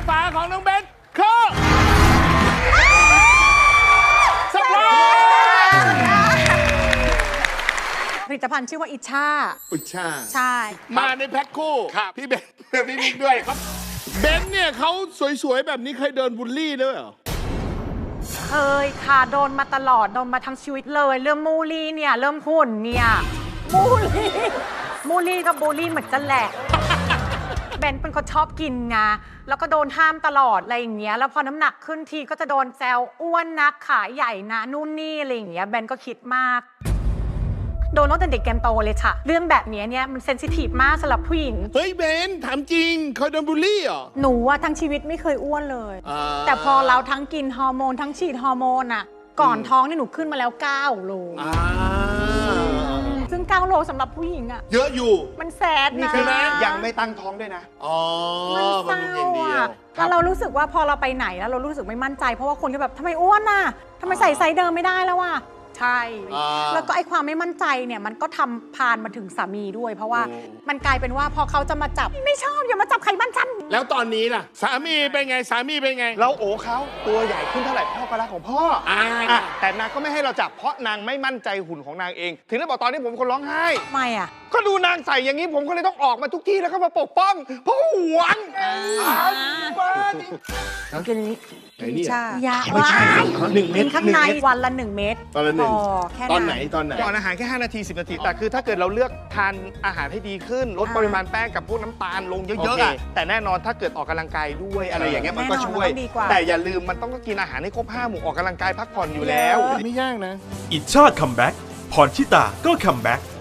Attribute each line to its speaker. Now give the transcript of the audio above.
Speaker 1: ฝาของน้องเบนคือสปราย
Speaker 2: ผลิตภัณฑ์ชื่อว่าอิชา
Speaker 1: อุชา
Speaker 2: ใช่
Speaker 1: มาในแพ็คคู่พี่เบนพี่มิกด้วยครับเบนเนี่ยเขาสวยๆแบบนี้เคยเดินบูลลี่ด้วยเหรอ
Speaker 2: เคยค่ะโดนมาตลอดโดนมาทั้งชีวิตเลยเริ่มมูลี่เนี่ยเริ่มหุ่นเนี่ยมูลี่กับบูลลี่เหมือนกันแหละเบนเป็นคนชอบกินไงแล้วก็โดนห้ามตลอดอะไรอย่างเงี้ยแล้วพอน้ำหนักขึ้นทีก็จะโดนแซวอ้วนนักขาใหญ่นะนู่นนี่อะไรอย่างเงี้ยเบนก็คิดมากโดนตั้งแต่เด็กแกมโตเลยค่ะเรื่องแบบนี้เนี่ยมันเซนซิทีฟมากสำหรับผู้หญิง
Speaker 1: เฮ้ยเบนถามจริงเคยโดนบูลลี่เหรอ
Speaker 2: หนูว่าทั้งชีวิตไม่เคยอ้วนเลย แต่พอเราทั้งกินฮอร์โมนทั้งฉีดฮอร์โมนอ่ะก่อนท้องนี่หนูขึ้นมาแล้ว9 โลซึ่ง9 โลสำหรับผู้หญิงอ่ะ
Speaker 1: เยอะอยู่
Speaker 2: มันแสด
Speaker 3: นี่
Speaker 2: นะ
Speaker 3: คือยังไม่ตั้งท้องด้วยนะ
Speaker 1: อ๋อ
Speaker 2: มันเศร้า
Speaker 1: บำรุงอย่างเดียว
Speaker 2: อ่ะแล้วเรารู้สึกว่าพอเราไปไหนแล้วเรารู้สึกไม่มั่นใจเพราะว่าคนก็แบบทำไมอ้วนน่ะทำไมใส่ไซส์เดิมไม่ได้แล้วว่ะใช่ แล้วก็ไอ้ความไม่มั่นใจเนี่ยมันก็ทำพานมาถึงสามีด้วย เพราะว่ามันกลายเป็นว่าพอเขาจะมาจับไม่ชอบอย่ามาจับไขมันฉัน
Speaker 1: แล้วตอนนี้ล่ะ สามีเป็นไงสามีเป็นไง
Speaker 3: เราโอ้เขาตัวใหญ่ขึ้นเท่าไหร่พ่อก็รักของพ่ออ่ะแต่นางก็ไม่ให้เราจับเพราะนางไม่มั่นใจหุ่นของนางเอง ถึงได้บอกตอนนี้ผมเป็นคนร้องไห้
Speaker 2: ทำไมอ่ะ
Speaker 3: ก็ดูนางใส่อย่างนี้ผมก็เลยต้องออกมาทุกที่แล้วก็มาปกป้องเพราะหวงบ้าจริง
Speaker 2: กินนี้
Speaker 1: ไหนเนี่ย
Speaker 2: ยา
Speaker 3: ไม่ใช่1 เม็ด
Speaker 2: ข้างในวันละ1 เม็ด
Speaker 1: ตอนละหนึ่ง
Speaker 2: พอแค่
Speaker 1: ตอนไหนตอนไหน
Speaker 3: ก่อนอาหารแค่ 5 นาที 10 นาที แต่คือถ้าเกิดเราเลือกทานอาหารให้ดีขึ้น ลดปริมาณแป้งกับพวกน้ำตาลลงเยอะๆอะแต่แน่นอนถ้าเกิดออกกำลังกายด้วยอะไรอย่างเงี้ยมันก็ช่วย แต่อย่าลืมมันต้องกินอาหารให้ครบ 5 หมู่ออกกำลังกายพักผ่อนอยู่แล้ว
Speaker 1: ไม่ยากนะ
Speaker 4: อิชาตคัมแบ็กพรชิตาก็คัมแบ็ก